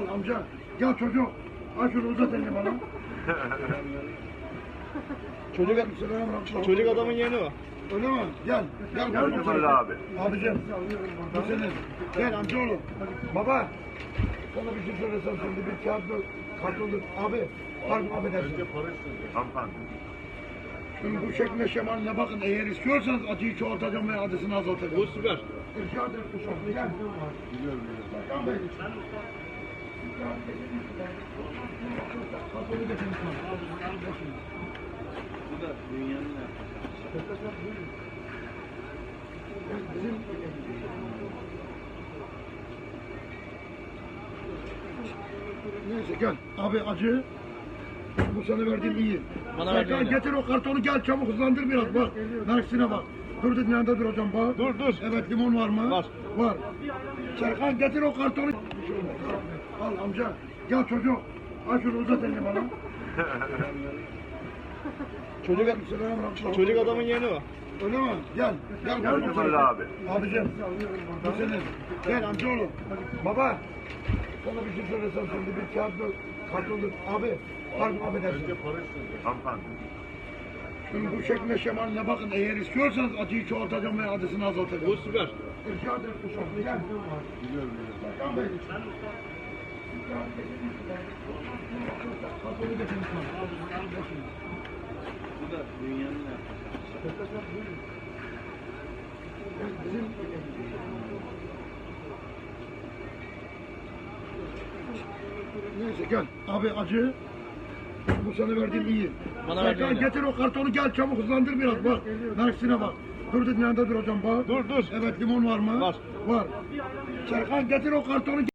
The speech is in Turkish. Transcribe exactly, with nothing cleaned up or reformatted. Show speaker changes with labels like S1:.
S1: amca. Gel çocuk. Al şunu uzat elini bana.
S2: Çocuk,
S1: Selam.
S2: çocuk adamın yeğeni o.
S1: Öyle mi? Gel. Gel. Gel.
S3: Öyle abi.
S1: Abicim. Bu senin. Gel amcaoğlu. Baba. Sana bir şey söylesem şimdi bir kağıt kartoluk. Abi. Pardon affedersin.
S3: Hanımefendi.
S1: Şimdi bu şekline şemaline bakın. Eğer istiyorsanız acıyı çoğaltacağım veya acısını azaltacağım.
S2: Bu süper.
S1: Rica ederim kuşum. Gel. Biliyorum. Serkan Bey. Kartolu getirin.
S2: Bu da dünyanın
S1: Bizim neyse gel. Abi acı. Bu sana verdiğim iyi.
S2: Bana
S1: Serkan
S2: verdiğin
S1: getir o kartonu gel çabuk hızlandır biraz bak. Mersin'e bak. Dur dedin yanında duracağım bak.
S2: Dur dur.
S1: Evet limon var mı?
S2: Var.
S1: Var. Serkan getir o kartonu. Al amca. Gel çocuk. Al şunu uzat elini bana.
S2: Çocuk,
S1: Selam.
S2: çocuk adamın yeğeni o.
S1: Öyle mi? Gel. Gel. Gel.
S3: Öyle abi.
S1: Abicim. Bu senin. Gel amcaoğlu. Baba. Sana bir şey söylesem şimdi bir kağıt kartoluk. Abi. Pardon affedersin.
S3: Hanımefendi.
S1: Şimdi bu şekline şemaline bakın. Eğer istiyorsanız acıyı çoğaltacağım veya acısını azaltacağım.
S2: Bu süper.
S1: Rica ederim kuşum. Gel. Biliyorum. Serkan Bey. Kartolu getirin.
S2: Bu da dünyanın
S1: Bizim neyse gel. Abi acı. Bu sana verdiğim iyi.
S2: Bana
S1: Serkan
S2: verdiğin
S1: getir o kartonu gel çabuk hızlandır biraz bak. Mersin'e bak. Dur dedin yanında duracağım bak.
S2: Dur dur.
S1: Evet limon var mı?
S2: Var.
S1: Var. Serkan getir o kartonu.